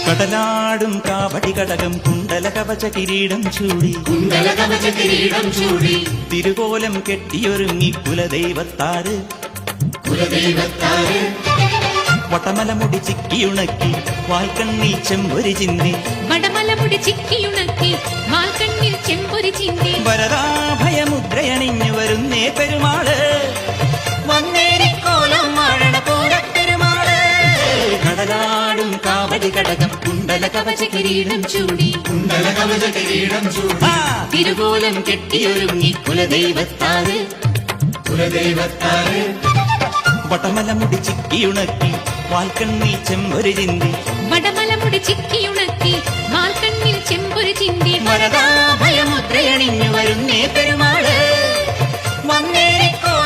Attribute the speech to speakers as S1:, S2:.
S1: കടലാടും കാവടി കടകം കുണ്ടല കവച കിരീടം ചൂടി തിരുകോലം കെട്ടിയൊരുങ്ങി കുലദൈവത്താറ് വടമലമുടി ചിക്കിയുണക്കി വാൽക്കണ്ണിൽ ചെമ്പൊരി ചിന്തി വരദാഭയമുദ്രയണിഞ്ഞു വരുന്നേ പെരുമാള് കടലാടും കാവടി കടകം കുണ്ടല കവച കിരീടം ചൂടി തിരുകോലം കെട്ടിയൊരുങ്ങി കുലദൈവത്താറ് വടമലമുടി ചിക്കിയുണക്കി വാൽക്കണ്ണിൽ ചെമ്പൊരി ചിന്തി വരദാഭയമുദ്രയണിഞ്ഞു വരുന്നേ പെരുമാള് വന്നേരിക്കോ